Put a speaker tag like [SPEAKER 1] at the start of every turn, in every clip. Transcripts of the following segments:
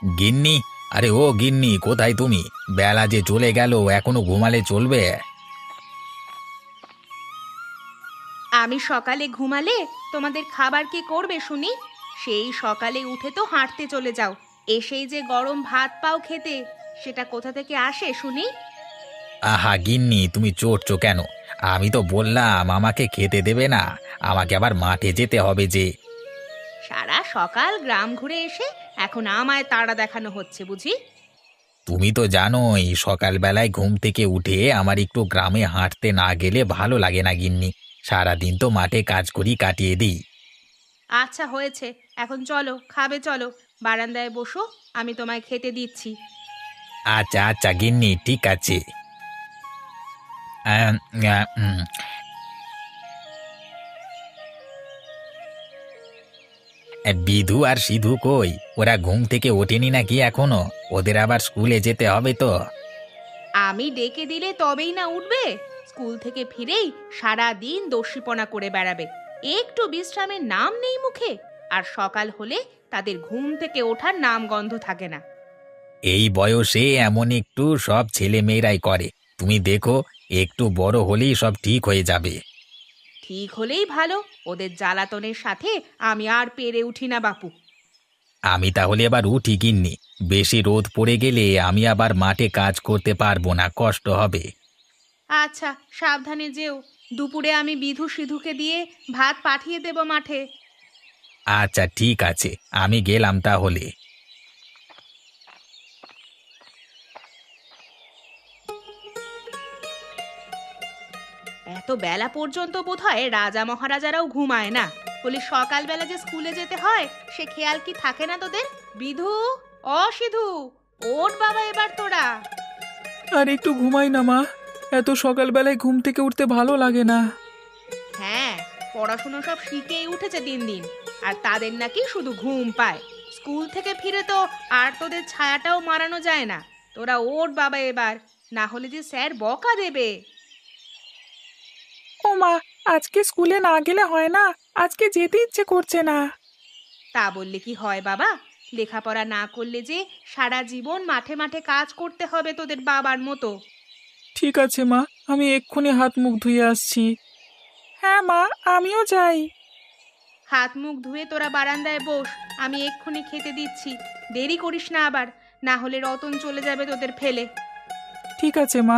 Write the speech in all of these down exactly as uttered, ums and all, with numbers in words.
[SPEAKER 1] গিন্নি, আরে ও গিন্নি, কোথায় তুমি? বেলা যে চলে গেল, এখনো ঘুমালে চলবে?
[SPEAKER 2] আমি সকালে ঘুমালে তোমাদের খাবার কে করবে শুনি? সেই সকালে উঠে তো হাঁটতে চলে যাও, এসেই যে গরম ভাত পাও খেতে, সেটা কোথা থেকে আসে শুনি?
[SPEAKER 1] আহা গিন্নি, তুমি চড়ছো কেন? আমি তো বললাম আমাকে খেতে দেবে না। আমাকে আবার মাঠে যেতে হবে যে।
[SPEAKER 2] সারা সকাল গ্রাম ঘুরে এসে এখন আমায় তাড়া দেখানো হচ্ছে বুঝি?
[SPEAKER 1] তুমি তো জানোই সকালবেলায় ঘুম থেকে উঠে আমার একটু গ্রামে হাঁটতে না গেলে ভালো লাগে না গিন্নি। সারাদিন তো মাঠে কাজ করি, কাটিয়ে দিই।
[SPEAKER 2] আচ্ছা হয়েছে, এখন চলো খাবে, চলো বারান্দায় বসো, আমি তোমায় খেতে দিচ্ছি।
[SPEAKER 1] আচ্ছা আচ্ছা গিন্নি, ঠিক আছে। আম, আ, উম, এ, বিধু আর সিধু কই? ওরা ঘুম থেকে ওঠেনি নাকি এখনো? ওদের আবার স্কুলে যেতে হবে তো।
[SPEAKER 2] আমি ডেকে দিলে তবেই না উঠবে? স্কুল থেকে ফিরেই সারা দিন দস্যিপনা করে বেড়াবে, একটু বিশ্রামের নাম নেই মুখে। আর সকাল হলে তাদের ঘুম থেকে ওঠার নাম গন্ধ থাকে না।
[SPEAKER 1] এই বয়সে এমন একটু সব ছেলে মেয়েরাই করে। তুমি দেখো, একটু বড় হলেই সব ঠিক হয়ে যাবে।
[SPEAKER 2] ঠিক হলেই ভালো, ওদের জ্বালাতনের সাথে আমি আর পেরে উঠি না বাপু।
[SPEAKER 1] আমি তাহলে এবার উঠি গিন্নি। বেশি রোদ পড়ে গেলে আমি আবার মাঠে কাজ করতে পারবো না, কষ্ট হবে।
[SPEAKER 2] আচ্ছা সাবধানে যেও, দুপুরে আমি বিধু সিধুকে দিয়ে ভাত পাঠিয়ে দেব মাঠে।
[SPEAKER 1] আচ্ছা ঠিক আছে, আমি গেলাম তাহলে।
[SPEAKER 2] এত বেলা পর্যন্ত বোধহয় রাজা মহারাজারাও ঘুমায় না, বলি সকালবেলা যে স্কুলে যেতে হয় সে খেয়াল কি থাকে না তোদের? বিধু, অ সিধু, ওঠ বাবা এবার তোরা।
[SPEAKER 3] আর একটু ঘুমাই না মা। এত সকালবেলায় ঘুম থেকে উঠতে ভালো লাগে না।
[SPEAKER 2] হ্যাঁ, পড়াশুনো সব শিখেই উঠেছে দিন দিন, আর তাদের নাকি শুধু ঘুম পায়। স্কুল থেকে ফিরে তো আর তোদের ছায়াটাও মারানো যায় না। তোরা ওঠ বাবা এবার, না হলে যে স্যার বকা দেবে।
[SPEAKER 3] ও মা, আজকে স্কুলে না গেলে হয় না? আজকে যেতে ইচ্ছে করছে না।
[SPEAKER 2] তা বললে কি হয় বাবা? লেখাপড়া না করলে যে সারা জীবন মাঠে মাঠে কাজ করতে হবে তোদের বাবার মতো।
[SPEAKER 3] ঠিক আছে মা, আমি এক্ষুনি হাত মুখ ধুয়ে আসছি। হ্যাঁ মা, আমিও যাই।
[SPEAKER 2] হাত মুখ ধুয়ে তোরা বারান্দায় বস, আমি এক্ষুনি খেতে দিচ্ছি। দেরি করিস না আবার, না হলে রতন চলে যাবে তোদের ফেলে।
[SPEAKER 3] ঠিক আছে মা।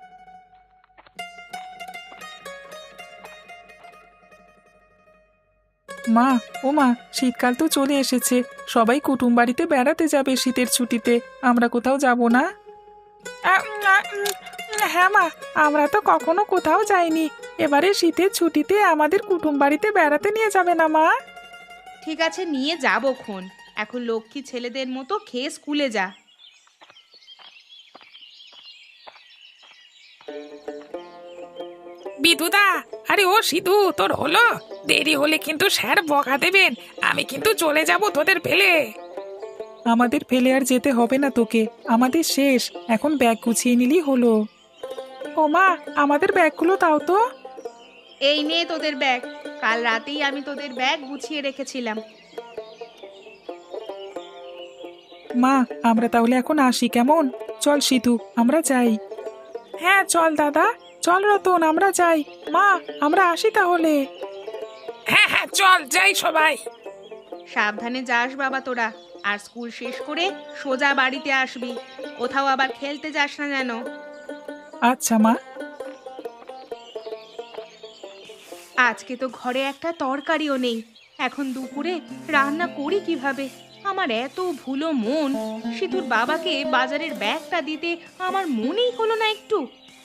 [SPEAKER 3] মা, ও মা, শীতকাল তো চলে এসেছে। সবাই কুটুম বাড়িতে বেড়াতে যাবে শীতের ছুটিতে। আমরা কোথাও যাব না? আ, উম, আ, উম, হ্যাঁ মা, আমরা তো কখনো কোথাও যাইনি। এবারে শীতের ছুটিতে আমাদের কুটুম বাড়িতে বেড়াতে নিয়ে যাবে না মা?
[SPEAKER 2] ঠিক আছে নিয়ে যাবো খন, এখন লক্ষ্মী ছেলেদের মতো খেয়ে স্কুলে যা।
[SPEAKER 4] বিদুদা, আরে ও সিধু, তোর হলো? দেরি হলে কিন্তু স্যার বকা দেবেন। আমি কিন্তু চলে যাব তোদের ফেলে।
[SPEAKER 3] আমাদের ফেলে আর যেতে হবে না তোকে। আমাদের শেষ, এখন ব্যাগ গুছিয়ে নিলেই হলো। ও মা, আমাদের ব্যাগগুলো দাও তো।
[SPEAKER 2] এই নে তোদের ব্যাগ, কাল রাতেই আমি তোদের ব্যাগ গুছিয়ে রেখেছিলাম।
[SPEAKER 3] মা, আমরা তাহলে এখন আসি কেমন? চল সিধু, আমরা যাই। হ্যাঁ চল দাদা, চল রতন, আমরা যাই। মা, আমরা আসি তাহলে।
[SPEAKER 4] হ্যাঁ হ্যাঁ, চল যাই সবাই।
[SPEAKER 2] সাবধানে যাস বাবা তোরা, আর স্কুল শেষ করে সোজা বাড়িতে আসবি, কোথাও আবার খেলতে যাস না যেন।
[SPEAKER 3] আচ্ছা মা।
[SPEAKER 2] আজকে তো ঘরে একটা তরকারিও নেই, এখন দুপুরে রান্না করি কিভাবে? আমার এত ভুলো মন, সিধুর বাবাকে বাজারের ব্যাগটা দিতে আমার মনেই হলো না একটু।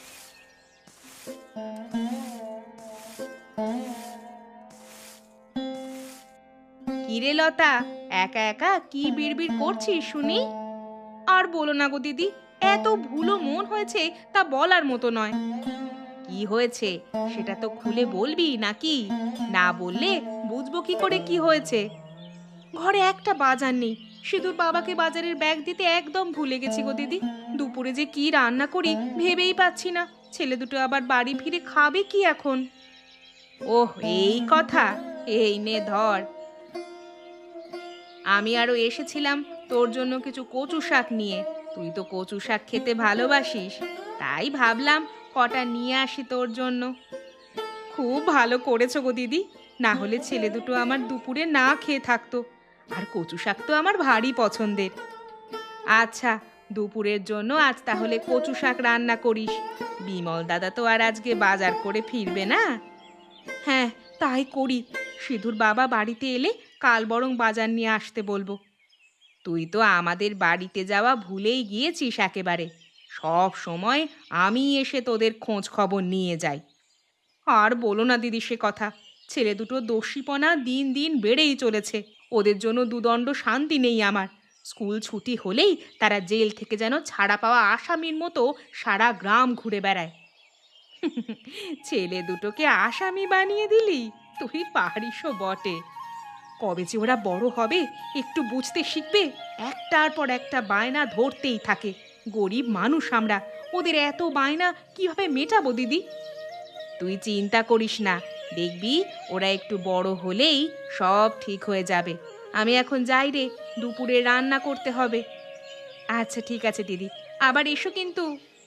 [SPEAKER 2] কিরে লতা, একা একা কি বিড়বিড় করছিস শুনি? আর বলো না গো দিদি, এত ভুলো মন হয়েছে তা বলার মতো নয়। কি হয়েছে সেটা তো খুলে বলবি নাকি? না বললে বুঝবো কি করে কি হয়েছে? ঘরে একটা বাজার নেই, সিধুর বাবাকে বাজারের ব্যাগ দিতে একদম ভুলে গেছি গো দিদি। দুপুরে যে কি রান্না করি ভেবেই পাচ্ছি না, ছেলে দুটো আবার বাড়ি ফিরে খাবে কি এখন? ওহ এই কথা, এই নে ধর। আমি আরো এসেছিলাম তোর জন্য কিছু কচু শাক নিয়ে। তুই তো কচু শাক খেতে ভালোবাসিস, তাই ভাবলাম কটা নিয়ে আসি তোর জন্য। খুব ভালো করেছো গো দিদি, না হলে ছেলে দুটো আমার দুপুরে না খেয়ে থাকতো। আর কচু শাক তো আমার ভারী পছন্দের। আচ্ছা, দুপুরের জন্য আজ তাহলে কচু শাক রান্না করিস। বিমল দাদা তো আর আজকে বাজার করে ফিরবে না। হ্যাঁ, তাই করি। সিধুর বাবা বাড়িতে এলে কাল বরং বাজার নিয়ে আসতে বলবো। তুই তো আমাদের বাড়িতে যাওয়া ভুলেই গিয়েছিস একেবারে। সব সময় আমি এসে তোদের খোঁজ খবর নিয়ে যাই। আর বলো না দিদি সে কথা। ছেলে দুটো দস্যিপনা দিন দিন বেড়েই চলেছে। ওদের জন্য দুদণ্ড শান্তি নেই আমার। স্কুল ছুটি হলেই তারা জেল থেকে যেন ছাড়া পাওয়া আসামির মতো সারা গ্রাম ঘুরে বেড়ায়। ছেলে দুটোকে আসামি বানিয়ে দিলি, তুই পারিসও বটে। কবে যে ওরা বড় হবে, একটু বুঝতে শিখবে। একটার পর একটা বায়না ধরতেই থাকে। গরিব মানুষ আমরা, ওদের এত বায়না কিভাবে মেটাবো দিদি? তুই চিন্তা করিস না, দেখবি ওরা একটু বড় হলেই সব ঠিক হয়ে যাবে। আমি এখন যাই রে, দুপুরে রান্না করতে হবে। আচ্ছা ঠিক আছে দিদি, আবার এসো কিন্তু।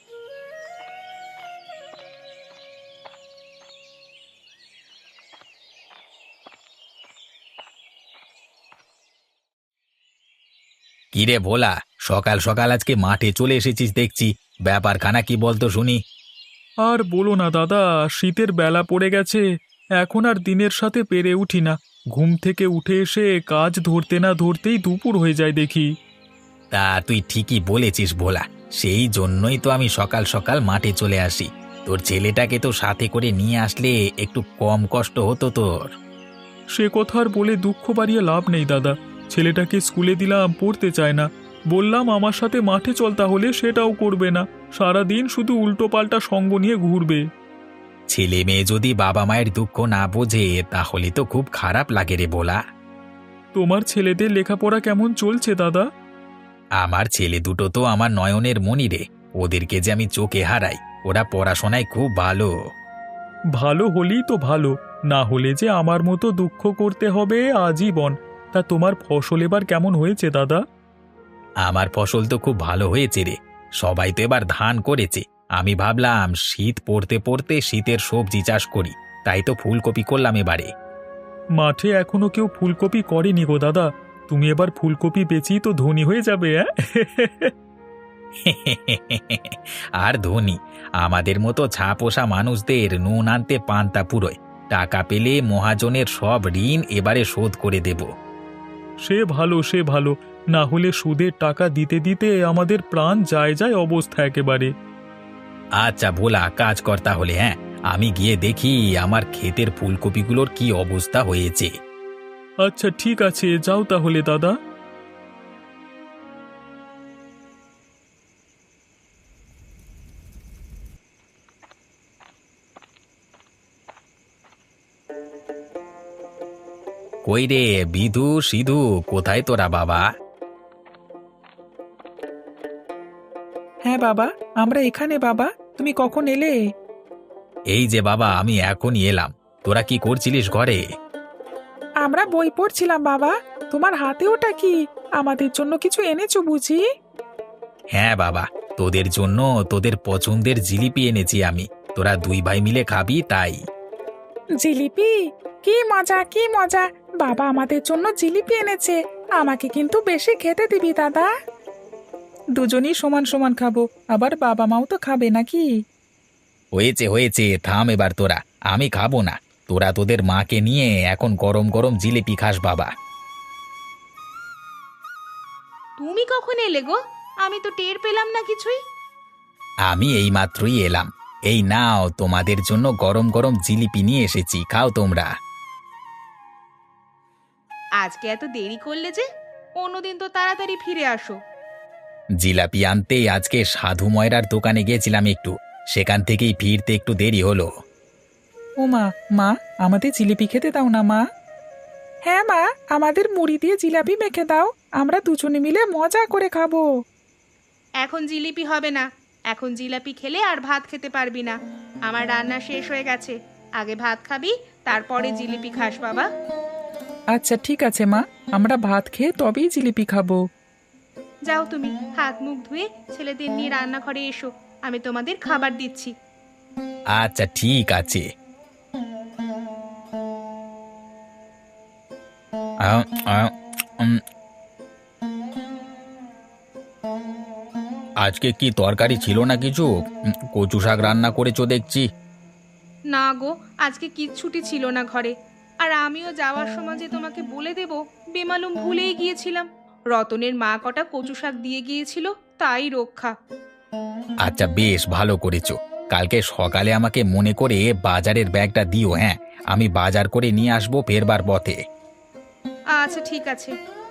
[SPEAKER 1] কিরে ভোলা, সকাল সকাল আজকে মাঠে চলে এসেছিস দেখছি। ব্যাপারখানা কি বলতো শুনি।
[SPEAKER 5] আর বলো না দাদা, শীতের বেলা পড়ে গেছে। এখন আর দিনের সাথে পেরে উঠি না। ঘুম থেকে উঠে এসে কাজ ধরতে না ধরতেই দুপুর হয়ে যায় দেখি।
[SPEAKER 1] তা তুই ঠিকই বলেছিস ভোলা, সেই জন্যই তো আমি সকাল সকাল মাঠে চলে আসি। তোর ছেলেটাকে তো সাথে করে নিয়ে আসলে একটু কম কষ্ট হতো তোর।
[SPEAKER 5] সে কথা আর বলে দুঃখ বাড়িয়ে লাভ নেই দাদা। ছেলেটাকে স্কুলে দিলাম, পড়তে চায় না। বললাম আমার সাথে মাঠে চল, তাহলে সেটাও করবে না। সারাদিন শুধু উল্টো পাল্টা সঙ্গ নিয়ে ঘুরবে।
[SPEAKER 1] ছেলে মেয়ে যদি বাবা মায়ের দুঃখ না বোঝে তাহলে তো খুব খারাপ লাগে রে ভোলা।
[SPEAKER 5] তোমার ছেলেদের লেখাপড়া কেমন চলছে দাদা?
[SPEAKER 1] আমার ছেলে দুটো তো আমার নয়নের মণি রে। ওদেরকে যে আমি চোখে হারাই, ওরা পড়াশোনায় খুব ভালো।
[SPEAKER 5] ভালো হলেই তো ভালো, না হলে যে আমার মতো দুঃখ করতে হবে আজীবন। তা তোমার ফসল এবার কেমন হয়েছে দাদা?
[SPEAKER 1] আমার ফসল তো খুব ভালো হয়েছে রে। সবাই তো এবার ধান করেছে। আমি ভাবলাম শীত পড়তে পড়তে শীতের সবজি চাষ করি, তাই তো ফুলকপি করলাম এবারে।
[SPEAKER 5] মাঠে এখনো কেউ ফুলকপি করেনি গো দাদা। তুমি এবার ফুলকপি বেচেই তো ধনী হয়ে যাবে। হ্যাঁ
[SPEAKER 1] আর ধনী, আমাদের মতো ছাপোষা মানুষদের নুন আনতে পান্তা পুরোয়। টাকা পেলে মহাজনের সব ঋণ এবারে শোধ করে দেব।
[SPEAKER 5] সে ভালো, সে ভালো। না হলে সুদের টাকা দিতে দিতে আমাদের প্রাণ যায় যায় অবস্থা একেবারে।
[SPEAKER 1] আচ্ছা ভোলা, কাজ কর তাহলে। হ্যাঁ, আমি গিয়ে দেখি আমার ক্ষেতের ফুলকপিগুলোর কি অবস্থা হয়েছে।
[SPEAKER 5] আচ্ছা ঠিক আছে, যাও তাহলে দাদা।
[SPEAKER 1] কই রে বিধু, সিধু, কোথায় তোরা বাবা?
[SPEAKER 3] হ্যাঁ বাবা, আমরা এখানে। বাবা, তুমি কখন এলে?
[SPEAKER 1] এই যে বাবা, আমি এখনই এলাম। তোরা কি করছিলিস ঘরে?
[SPEAKER 3] আমরা বই পড়ছিলাম বাবা। তোমার হাতে ওটা কি? আমাদের জন্য কিছু এনেছো বুঝি?
[SPEAKER 1] হ্যাঁ বাবা, তোদের জন্য তোদের পছন্দের জিলিপি এনেছি আমি। তোরা দুই ভাই মিলে খাবি তাই।
[SPEAKER 3] জিলিপি? কি মজা, কি মজা! বাবা আমাদের জন্য জিলিপি এনেছে। আমাকে কিন্তু বেশি খেতে দিবি দাদা। দুজনই সমান সমান খাবো, আবার বাবা মাও তো খাবে নাকি?
[SPEAKER 1] হয়েছে হয়েছে, থাম এবার তোরা। আমি খাবো না। তোরা তোদের মাকে নিয়ে এখন গরম গরম জিলিপি খাস বাবা।
[SPEAKER 2] তুমি কখন এলে গো? আমি তো টের পেলাম না কিছুই।
[SPEAKER 1] আমি এই মাত্রই এলাম। এই নাও, তোমাদের জন্য গরম গরম জিলিপি নিয়ে এসেছি, খাও তোমরা।
[SPEAKER 2] আজকে এত দেরি করলে যে? অন্যদিন তো তাড়াতাড়ি ফিরে আসো।
[SPEAKER 1] জিলাপি আনতে আজকে সাধু ময়রার দোকানে গিয়েছিলাম একটু, সেখান থেকেই ফিরতে একটু দেরি হলো।
[SPEAKER 3] ও মা, মা আমাদের জিলিপি খেতে দাও না মা। হ্যাঁ মা, আমাদের মুড়ি দিয়ে জিলাপি মেখে দাও, আমরা দুজনে মিলে মজা করে খাবো।
[SPEAKER 2] এখন জিলিপি হবে না। এখন জিলাপি খেলে আর ভাত খেতে পারবি না। আমার রান্না শেষ হয়ে গেছে। আগে ভাত খাবি, তারপরে জিলিপি খাস বাবা।
[SPEAKER 3] আচ্ছা ঠিক আছে মা, আমরা ভাত খেয়ে তবেই জিলিপি খাবো।
[SPEAKER 2] যাও তুমি হাত মুখ ধুয়ে ছেলেদের নিয়ে রান্নাঘরে এসো, আমি তোমাদের খাবার দিচ্ছি।
[SPEAKER 1] আচ্ছা ঠিক আছে। আহ, আহ, উম। আজকে কি তরকারি ছিল না কিছু? উম, কচু শাক রান্না করেছো দেখছি।
[SPEAKER 2] না গো, আজকে কিচ্ছুটি ছিল না ঘরে। আর আমিও যাওয়ার সময় যে তোমাকে বলে দেব বেমালুম ভুলেই গিয়েছিলাম। রতনের মা কটা কচু শাক দিয়ে গিয়েছিল, তাই রক্ষা।
[SPEAKER 1] আচ্ছা বেশ ভালো করেছো। কালকে সকালে আমাকে মনে করে বাজারের ব্যাগটা দিও। হ্যাঁ, আমি বাজার করে নিয়ে আসবো ফেরবার পথে।
[SPEAKER 2] আচ্ছা ঠিক আছে।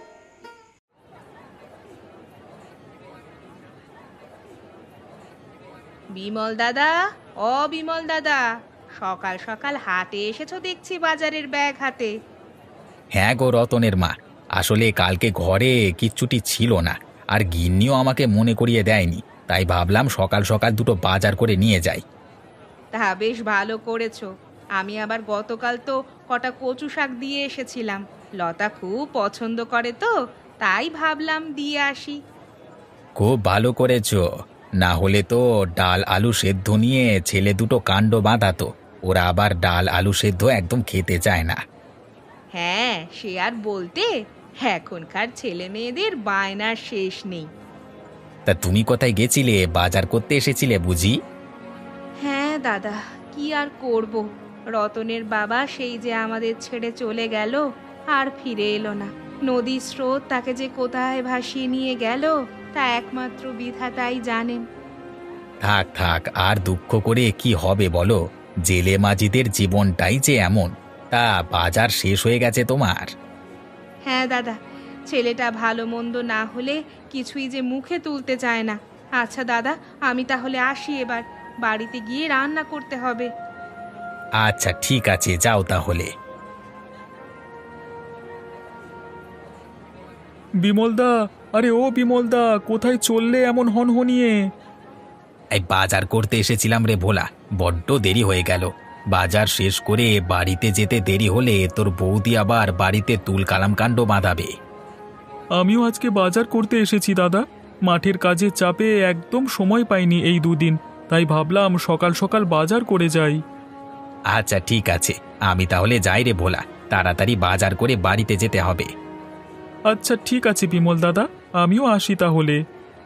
[SPEAKER 2] বিমল দাদা, ও বিমল দাদা, সকাল সকাল হাটে এসেছো দেখছি বাজারের ব্যাগ হাতে।
[SPEAKER 1] হ্যাঁ গো রতনের মা, আসলে কালকে ঘরে কিচ্ছুটি ছিল না, আর গিন্নিও আমাকে মনে করিয়ে দেয়নি, তাই ভাবলাম সকাল সকাল দুটো বাজার করে নিয়ে যাই।
[SPEAKER 2] তা বেশ ভালো করেছো। আমি আবার গতকাল তো কটা কচু শাক দিয়ে এসেছিলাম, লতা খুব পছন্দ করে তো, তাই ভাবলাম দিয়ে আসি।
[SPEAKER 1] খুব ভালো করেছো, না হলে তো ডাল আলু সেদ্ধ নিয়ে ছেলে দুটো কাণ্ড বাঁধাতো। ওরা আবার ডাল আলু সেদ্ধ একদম খেতে চায় না।
[SPEAKER 2] হ্যাঁ, সে আর বলতে, এখনকার ছেলে মেয়েদের বায়নার শেষ নেই।
[SPEAKER 1] তা তুমি কোথায় গেছিলে? বাজার করতে এসেছিলে বুঝি?
[SPEAKER 2] হ্যাঁ দাদা, কি আর করব, রতনের বাবা সেই যে আমাদের ছেড়ে চলে গেল, আর ফিরে এলো না। নদীর স্রোত তাকে যে কোথায় ভাসিয়ে নিয়ে গেল তা একমাত্র বিধাতাই জানেন।
[SPEAKER 1] থাক থাক, আর দুঃখ করে কি হবে বলো, জেলে মাঝিদের জীবনটাই যে এমন। তা বাজার শেষ হয়ে গেছে তোমার?
[SPEAKER 2] হ্যাঁ দাদা, ছেলেটা ভালো মন্দ না হলে কিছুই যে মুখে তুলতে চায় না। আচ্ছা দাদা, আমি তাহলে আসি এবার, বাড়িতে গিয়ে রান্না করতে হবে।
[SPEAKER 1] আচ্ছা ঠিক আছে, যাও তাহলে।
[SPEAKER 5] বিমলদা, আরে ও বিমলদা, কোথায় চললে এমন হনহনিয়ে?
[SPEAKER 1] এই বাজার করতে এসেছিলাম রে ভোলা, বড্ড দেরি হয়ে গেল। বাজার শেষ করে বাড়িতে যেতে দেরি হলে তোর বৌদি আবার বাড়িতে তুল কালাম কাণ্ড বাঁধাবে।
[SPEAKER 5] আমিও আজকে বাজার করতে এসেছি দাদা, মাঠের কাজের চাপে একদম সময় পাইনি এই দুদিন, তাই ভাবলাম সকাল সকাল বাজার করে যাই।
[SPEAKER 1] আচ্ছা ঠিক আছে, আমি তাহলে যাই রে ভোলা, তাড়াতাড়ি বাজার করে বাড়িতে যেতে হবে।
[SPEAKER 5] আচ্ছা ঠিক আছে বিমল দাদা, আমিও আসি তাহলে।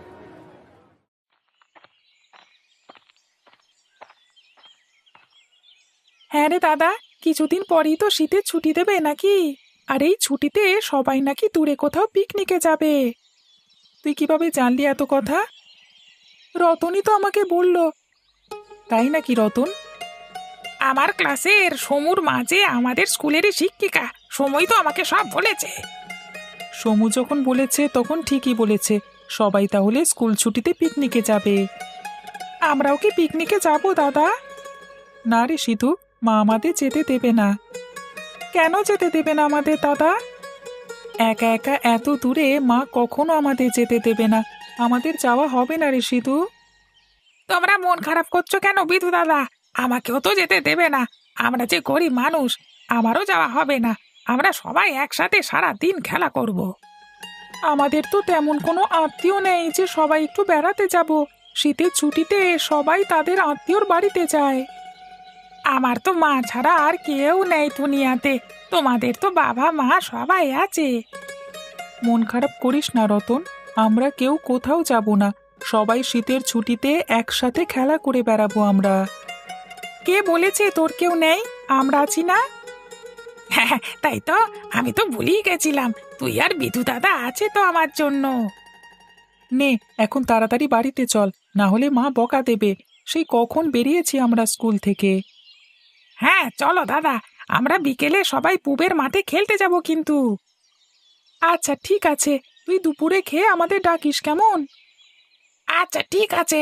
[SPEAKER 3] হ্যাঁ রে দাদা, কিছুদিন পরেই তো শীতের ছুটি দেবে নাকি? আর এই ছুটিতে সবাই নাকি দূরে কোথাও পিকনিকে যাবে। তুই কিভাবে জানলি এত কথা? রতনই তো আমাকে বলল। তাই নাকি রতন?
[SPEAKER 4] আমার ক্লাসের সমুর মাঝে আমাদের স্কুলেরই শিক্ষিকা সময় তো আমাকে সব বলেছে।
[SPEAKER 3] সমু যখন বলেছে তখন ঠিকই বলেছে, সবাই তাহলে স্কুল ছুটিতে পিকনিকে যাবে। আমরাও কি পিকনিকে যাব দাদা? না রে সিধু, মা আমাদের যেতে দেবে না। কেন যেতে দেবে না আমাদের দাদা? একা একা এত দূরে মা কখনো আমাদের যেতে দেবে না, আমাদের যাওয়া হবে না রে সিধু।
[SPEAKER 4] তোমরা মন খারাপ করছো কেন বিধু দাদা? আমাকেও তো যেতে দেবে না, আমরা যে গরিব মানুষ, আমারও যাওয়া হবে না। আমরা সবাই একসাথে সারা দিন খেলা করব।
[SPEAKER 3] আমাদের তো তেমন কোনো আত্মীয় নেই যে সবাই একটু বেড়াতে যাব। শীতের ছুটিতে সবাই তাদের আত্মীয়র বাড়িতে যায়।
[SPEAKER 4] আমার তো মা ছাড়া আর কেউ নেই দুনিয়াতে, তোমাদের তো বাবা মা সবাই আছে।
[SPEAKER 3] মন খারাপ করিস না রতন, আমরা কেউ কোথাও যাব না, সবাই শীতের ছুটিতে একসাথে খেলা করে বেড়াবো আমরা।
[SPEAKER 4] কে বলেছে তোর কেউ নেই? আমরা আছি না? হ্যাঁ তাই তো, আমি তো ভুলেই গেছিলাম, তুই আর বিধু দাদা আছে তো আমার জন্য।
[SPEAKER 3] নে এখন তাড়াতাড়ি বাড়িতে চল, না হলে মা বকা দেবে। সেই কখন বেরিয়েছি আমরা স্কুল থেকে।
[SPEAKER 4] হ্যাঁ চলো দাদা, আমরা বিকেলে সবাই পুবের মাঠে খেলতে যাব কিন্তু।
[SPEAKER 3] আচ্ছা ঠিক আছে, তুই দুপুরে খেয়ে আমাদের ডাকিস কেমন?
[SPEAKER 4] আচ্ছা ঠিক আছে।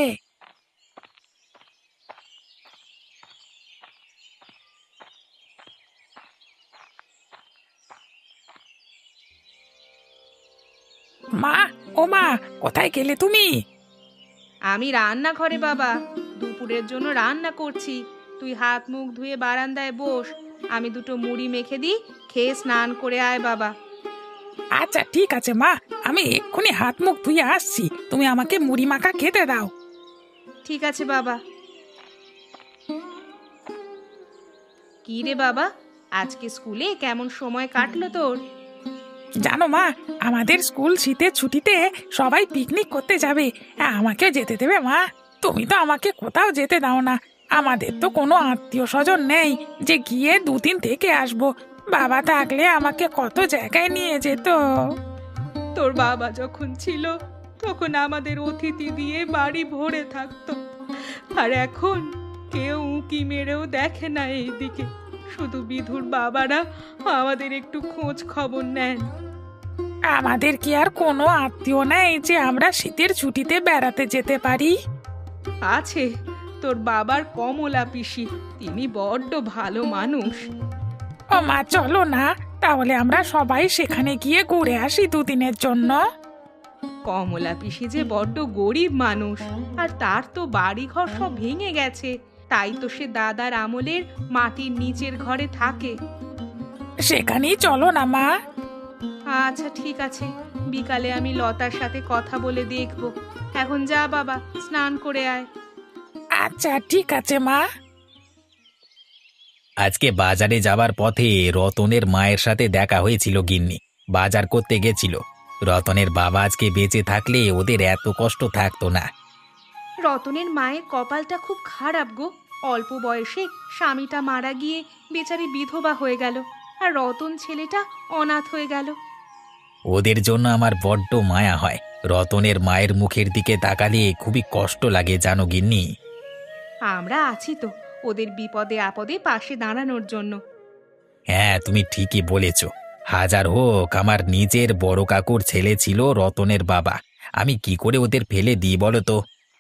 [SPEAKER 4] মা, ও মা, কোথায় গেলে তুমি?
[SPEAKER 2] আমি রান্নাঘরে বাবা, দুপুরের জন্য রান্না করছি। তুই হাত মুখ ধুয়ে বারান্দায় বস, আমি দুটো মুড়ি মেখে দিই, খেয়ে স্নান করে আয় বাবা।
[SPEAKER 4] আচ্ছা ঠিক আছে মা, আমি এক্ষুনি হাত মুখ ধুয়ে আসছি, তুমি আমাকে মুড়ি মাখা খেতে দাও।
[SPEAKER 2] ঠিক আছে বাবা। কি রে বাবা, আজকে স্কুলে কেমন সময় কাটলো তোর?
[SPEAKER 4] জানো মা, আমাদের স্কুল শীতের ছুটিতে সবাই পিকনিক করতে যাবে। আমাকেও যেতে দেবে মা? তুমি তো আমাকে কোথাও যেতে দাও না। আমাদের তো কোনো আত্মীয় স্বজন নেই যে গিয়ে দুদিন থেকে আসবো। বাবা থাকলে আমাকে কত জায়গায় নিয়ে যেত।
[SPEAKER 2] তোর বাবা যখন ছিল তখন আমাদের অতিথি দিয়ে বাড়ি ভরে থাকতো, আর এখন কেউ উঁকি মেরেও দেখে না এইদিকে। শুধু বিধুর বাবারা আমাদের একটু খোঁজ খবর নেন।
[SPEAKER 4] আমাদের কি আর কোনো আত্মীয় নেই যে আমরা শীতের ছুটিতে বেড়াতে যেতে পারি?
[SPEAKER 2] আছে, তোর বাবার কমলা পিসি, তিনি বড্ড ভালো মানুষ।
[SPEAKER 4] ও মা, চলো না, তাহলে আমরা সবাই সেখানে গিয়ে ঘুরে আসি দুদিনের জন্য।
[SPEAKER 2] কমলা পিসি যে বড্ড গরিব মানুষ, আর তার তো বাড়ি ঘর সব ভেঙে গেছে, তাই তো সে দাদার আমলের মাটির নিচের ঘরে থাকে।
[SPEAKER 4] সেখানেই চলো না মা।
[SPEAKER 2] আচ্ছা ঠিক আছে, বিকালে আমি লতার সাথে কথা বলে দেখব। এখন যা বাবা, স্নান করে আয়।
[SPEAKER 4] আচ্ছা ঠিক আছে মা।
[SPEAKER 1] আজকে বাজারে যাবার পথে রতনের মায়ের সাথে দেখা হয়েছিল গিন্নি। বাজার করতে গেছিল। রতনের বাবা আজকে বেঁচে থাকলে ওদের এত কষ্ট থাকতো না।
[SPEAKER 2] রতনের মায়ের কপালটা খুব খারাপ গো। অল্প বয়সে স্বামীটা মারা গিয়ে বেচারি বিধবা হয়ে গেল, আর রতন ছেলেটা অনাথ হয়ে গেল।
[SPEAKER 1] ওদের জন্য আমার বড্ড মায়া হয়। রতনের মায়ের মুখের দিকে তাকালে খুবই কষ্ট লাগে জানো গিন্নি।
[SPEAKER 2] আমরা আছি তো ওদের বিপদে আপদে পাশে দাঁড়ানোর জন্য।
[SPEAKER 1] হ্যাঁ, তুমি ঠিকই বলেছ। হাজার হোক, আমার নিজের বড় কাকুর ছেলে ছিল রতনের বাবা। আমি কি করে ওদের ফেলে দিই বলো তো?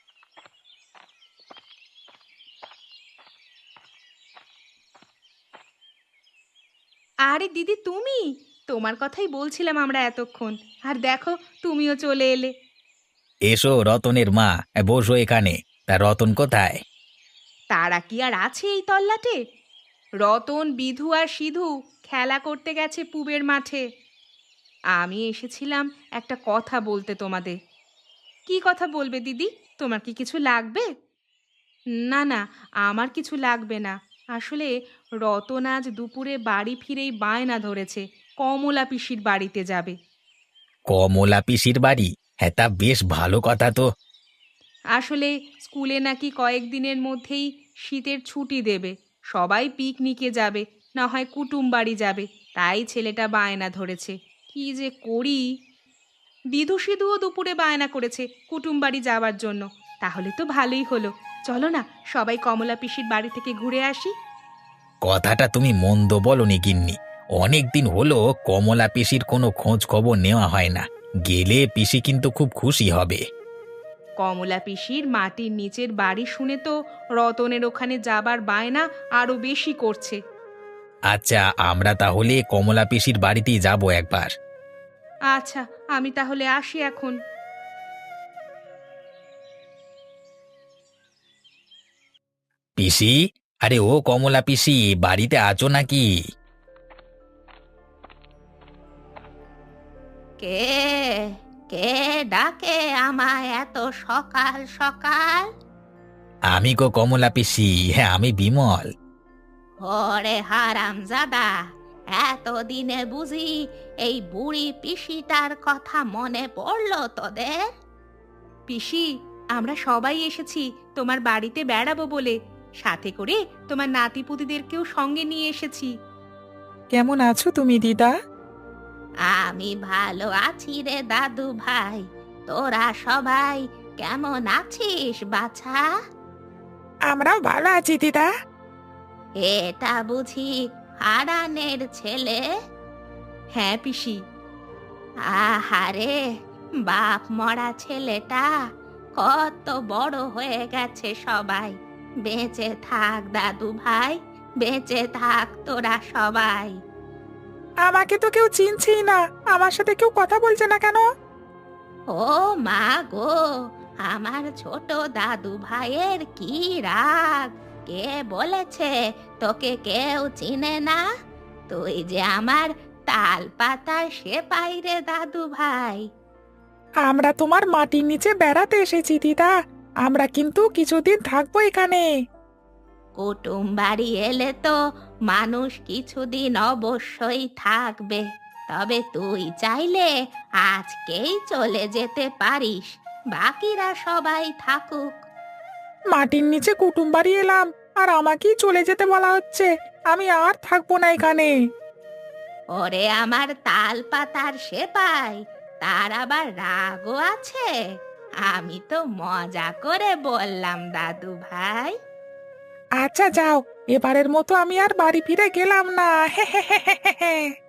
[SPEAKER 2] আরে দিদি, তুমি? তোমার কথাই বলছিলাম আমরা এতক্ষণ, আর দেখো তুমিও চলে এলে।
[SPEAKER 1] এসো রতনের মা, বসো এখানে। তা রতন কোথায়?
[SPEAKER 2] তারা কি আর আছে এই তল্লাটে? রতন, বিধু আর সিধু খেলা করতে গেছে পুবের মাঠে। আমি এসেছিলাম একটা কথা বলতে তোমাদের। কি কথা বলবে দিদি? তোমার কি কিছু লাগবে? না না, আমার কিছু লাগবে না। আসলে রতন আজ দুপুরে বাড়ি ফিরেই বায়না ধরেছে কমলা পিসির বাড়িতে যাবে।
[SPEAKER 1] কমলা পিসির বাড়ি? হ্যাঁ, তা বেশ ভালো কথা তো।
[SPEAKER 2] আসলে স্কুলে নাকি কয়েকদিনের মধ্যেই শীতের ছুটি দেবে, সবাই পিকনিকে যাবে, না হয় কুটুম বাড়ি যাবে। তাই ছেলেটা বায়না ধরেছে। কি যে করি! বিধু সিধুও দুপুরে বায়না করেছে কুটুম বাড়ি যাওয়ার জন্য। তাহলে তো ভালোই হলো। চলো না, সবাই কমলা পিসির বাড়ি থেকে ঘুরে আসি।
[SPEAKER 1] কথাটা তুমি মন্দ বলনি গিন্নি। অনেক দিন হলো কমলা পিসির কোনো খোঁজ খবর নেওয়া হয় না। গেলে পিসি কিন্তু খুব খুশি হবে।
[SPEAKER 2] কমলা পিসির মাটির নিচের বাড়ি শুনে তো রতনের ওখানে যাবার বায়না আরো বেশি করছে।
[SPEAKER 1] আচ্ছা, আমরা তাহলে কমলা পিসির বাড়িতেই যাব একবার।
[SPEAKER 2] আচ্ছা, আমি তাহলে আসি এখন।
[SPEAKER 1] পিসি, আরে ও কমলা পিসি, বাড়িতে আছো নাকি?
[SPEAKER 6] কে কে ডাকে আমায় এত সকাল সকাল?
[SPEAKER 1] আমি গো কমলা পিসি, হ্যাঁ আমি বিমল।
[SPEAKER 6] ওরে হারামজাদা, এতদিনে বুঝি এই বুড়ি পিসিটার কথা মনে পড়লো তোদের?
[SPEAKER 2] পিসি, আমরা সবাই এসেছি তোমার বাড়িতে বেড়াবো বলে। সাথে করে তোমার নাতিপুতিদেরকেও সঙ্গে নিয়ে এসেছি।
[SPEAKER 3] কেমন আছো তুমি দিদা?
[SPEAKER 6] আমি ভালো আছি রে দাদু ভাই, তোরা সবাই কেমন আছিস বাছা?
[SPEAKER 4] আমরাও ভালো আছি দিদা।
[SPEAKER 6] এটা বুঝি হারানের ছেলে?
[SPEAKER 2] হ্যাঁ পিসি।
[SPEAKER 6] আহারে, বাপ মরা ছেলেটা কত বড় হয়ে গেছে সবাই। বেঁচে থাক দাদু ভাই, বেঁচে থাক তোরা সবাই।
[SPEAKER 4] আমাকে তো কেউ চিনছেই না, আমার সাথে কেউ কথা বলছে না কেন?
[SPEAKER 6] ও মা গো, আমার ছোট দাদু ভাইয়ের কি রাগ! কে বলেছে তোকে কেউ চিনে না? তুই যে আমার তাল পাতা সেপাই রে দাদু ভাই।
[SPEAKER 4] আমরা তোমার মাটির নিচে বেড়াতে এসেছি দিদা, আমরা কিন্তু কিছুদিন থাকবো এখানে।
[SPEAKER 6] কুটুম বাড়ি এলে তো মানুষ কিছুদিন অবশ্যই থাকবে, তবে তুই চাইলে আজকেই চলে যেতে পারিস, বাকিরা সবাই থাকুক।
[SPEAKER 4] মাটির নিচে কুটুম বাড়ি এলাম আর আমাকেই চলে যেতে বলা হচ্ছে, আমি আর থাকবো না এখানে।
[SPEAKER 6] ওরে আমার তাল পাতার সেপাই, তার আবার রাগও আছে? আমি তো মজা করে বললাম দাদু ভাই।
[SPEAKER 4] আচ্ছা যাও, এবারের মতো আমি আর বাড়ি ফিরে গেলাম না। হে হে হে হে হে।